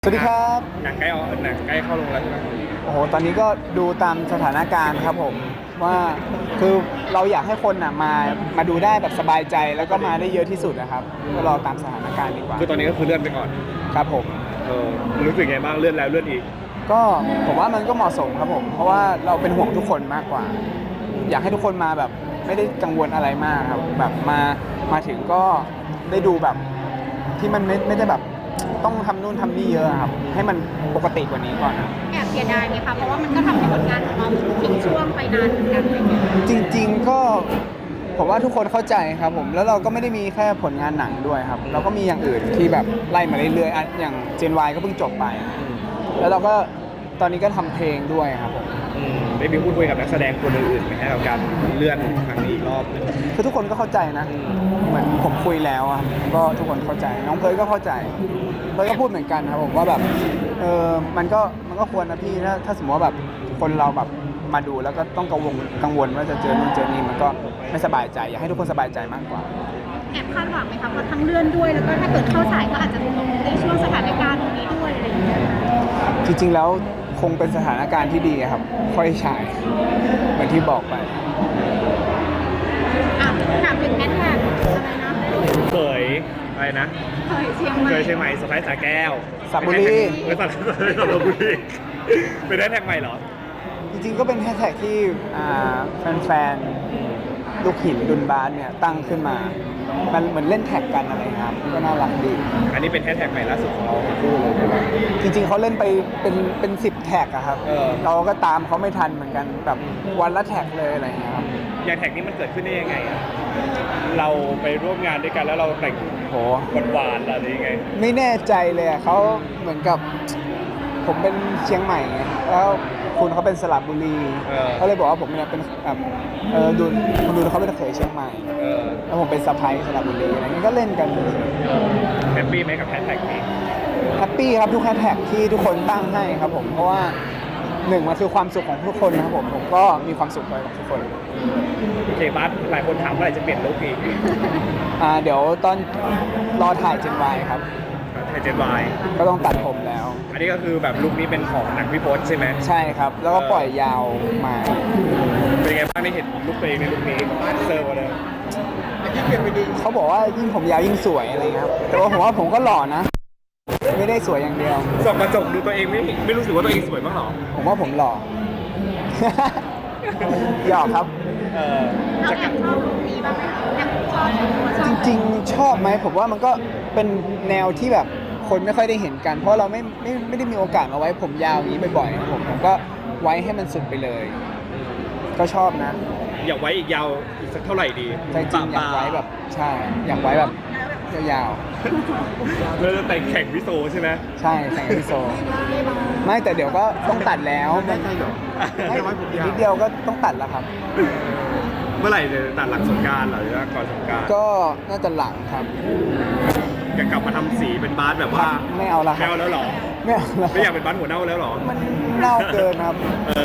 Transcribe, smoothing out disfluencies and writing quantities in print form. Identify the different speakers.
Speaker 1: สวัสดีครับ
Speaker 2: หนังใกล้เข้าลงแล้วใช่ไหม
Speaker 1: โอ้โห ตอนนี้ก็ดูตามสถานการณ์ครับผมว่าคือเราอยากให้คนมาดูได้แบบสบายใจแล้วก็มาได้เยอะที่สุดนะครับก็รอตามสถานการณ์ดีกว่า
Speaker 2: คือตอนนี้ก็คือเลื่อนไปก่อน
Speaker 1: ครับผม
Speaker 2: รู้สึกไงบ้างเลื่อนแล้วเลื่อนอีก
Speaker 1: ก็ผมว่ามันก็เหมาะสมครับผมเพราะว่าเราเป็นห่วงทุกคนมากกว่า อยากให้ทุกคนมาแบบไม่ได้กังวลอะไรมากครับแบบมาถึงก็ได้ดูแบบที่มันไม่ได้แบบต้องทำนู่นทำนี่เยอะครับให้มันปกติกว่านี้ก่อนนะ
Speaker 3: แอบเสียดายไหมคะ เพราะว่ามันก็ทำให้ผลงานของเราทิ้งช่วงไปนานเหมือนกันอะไรเงี้ย
Speaker 1: จริงๆก็ผมว่าทุกคนเข้าใจครับผมแล้วเราก็ไม่ได้มีแค่ผลงานหนังด้วยครับเราก็มีอย่างอื่นที่แบบไล่มาเรื่อยๆอ่ะอย่าง Gen Y ก็เพิ่งจบไป แล้วเราก็ตอนนี้ก็ทำเพลงด้วยครับผม
Speaker 2: ได้มีพูดคุยกับนักแสดงคนอื่นๆไหมฮะกับการเลื่อนครั้งนี้อีกรอบหนึง
Speaker 1: คือทุกคนก็เข้าใจนะเหมือนผมคุยแล้วอะก็ทุกคนเข้าใจน้องเพิร์ลก็เข้าใจเพิร์ลก็พูดเหมือนกันครับผมว่าแบบมันก็ควรนะพี่ถ้าสมมติว่าแบบคนเราแบบมาดูแล้วก็ต้องกังวลว่าจะเจอนู่นเจอนี่มันก็ไม่สบายใจอยากให้ทุกคนสบายใจมากกว่า
Speaker 3: แอบคาดหวังไหมคะเพราะทั้งเลื่อนด้วย แล้วก็ถ้าเกิดเข้าสายก็อาจจะลงในช่วงสถานการณ์ตรงนี้ด้วยอะไรอย่างเงี้ย
Speaker 1: จริงๆแล้วคงเป็นสถานการณ์ที่ดีครับ ค่อยฉายเหมือนที่บอกไป
Speaker 3: อ่ะถามถึงแฮชแท็กอะไรนะ
Speaker 2: เคยอะไรนะ
Speaker 3: เคยเชียงใหม่
Speaker 2: เคยเชียงใหม่สะพ้ายสาแก้ว
Speaker 1: สระบุรี
Speaker 2: เป็นสระบุรีเป็นได้แท็กใหม่เหรอ
Speaker 1: จริงๆก็เป็นแฮชแท็กที่แฟนๆลูกหินดุนบาสเนี่ยตั้งขึ้นมา มันเหมือนเล่นแท็กกันอะไรครับก็น่ารักดี
Speaker 2: อันนี้เป็นแท็กใหม่ล่าสุดของเราทั้งคู่เลยใช่ไหม
Speaker 1: จริงๆเขาเล่นไปเป็น10 แท็กอะครับ เราก็ตามเขาไม่ทันเหมือนกันแบบวันละแท็กเลยอะไรอย่างเงี้ยครับ
Speaker 2: อย่างแท็กนี้มันเกิดขึ้นได้ยังไงอะเราไปร่วมงานด้วยกันแล้วเราแต่ง
Speaker 1: โห
Speaker 2: หวานๆอะไรยังไง
Speaker 1: ไม่แน่ใจเลยอะเขาเหมือนกับผมเป็นเชียงใหม่ไงแล้วคุณเขาเป็นสระบุรีเขาเลยบอกว่าผมเนี่ยเป็นแบบดูคุณดูเขาเป็นเขยเชียงใหม่ แล้วผมเป็นสะพ้ายสระบุรีอะไรเงี้ยก็เล่นกัน
Speaker 2: แฮปปี้ไหมกับแฮชแท็กนี้
Speaker 1: แฮปปี้ครับทุกแฮชแท็กที่ทุกคนตั้งให้ครับผมเพราะว่าหนึ่งมันคือความสุขของทุกคนนะครับผมก็มีความสุขไปกับทุกคน
Speaker 2: โอเคบัสหลายคนถามว่าอะไรจะเปลี่ยนลุคอีก
Speaker 1: เดี๋ยวตอนรอถ่าย Gen Y ครับ
Speaker 2: ไทยเจนวาย
Speaker 1: ก็ต้องตัดผมแล้ว
Speaker 2: อันนี้ก็คือแบบลุคนี้เป็นของหนังพี่พศใช่ไหม
Speaker 1: ใช่ครับ แล้วก็ปล่อยยาวมา
Speaker 2: เป็นไงบ้างได้เห็นลุคตัวเองในลุคนี้เซอร์กว่าเดิม
Speaker 1: เขาบอกว่ายิ่งผมยาวยิ่งสวยอะไรเงี้ยครับแต่ว่าผมว่าผมก็หล่อนะ ไม่ได้สวยอย่างเดียว
Speaker 2: ส่องกระจกดูตัวเองไม่รู้สึกว่าตัวเองสวยบ้างหรอ
Speaker 1: ผมว่าผมหล่อ หยอกครับ
Speaker 3: เรา
Speaker 2: จะ
Speaker 3: แอบชอบลุคนี้บ้างไหมคะแอบชอบชอบ
Speaker 1: จริงๆ ชอบไหมผมว่ามันก็เป็นแนวที่แบบคนไม่ค่อยได้เห็นกัน เพราะเราไม่ได้มีโอกาสมาไว้ผมยาวอย่างนี้บ่อยๆครับผมก็ไว้ให้มันสุดไปเลย ก็ชอบนะ
Speaker 2: อยากไว้อีกยาวอีกสักเท่าไหร่ดี
Speaker 1: ใจจริงอยากไว้แบบใช่อยากไว้แบบยาว
Speaker 2: เราจะแต่งแข่งวิโซใช่ไหม
Speaker 1: ๆใช่แต่งกับพี่โซไม่แต่เดี๋ยวก็ต้องตัดแล้วมันไม่นิดเดียวก็ต้องตัดแล้วครับ
Speaker 2: เมื่อไหร่จะตัดหลังสงกรานต์เหรอหรือว่าก่อนสงกรานต์
Speaker 1: ก็น่าจะหลังครับ
Speaker 2: อยากกลับมาทำสีเป็นบาสแบบว่า
Speaker 1: ไม่เอาละค
Speaker 2: ไม่
Speaker 1: รับ
Speaker 2: เอาแล้วเหรอ
Speaker 1: ไม่เอาละ
Speaker 2: ไม่อยากเป็นบาสหัวเน่าแล้วเหรอ
Speaker 1: มันเน่าเกินครับ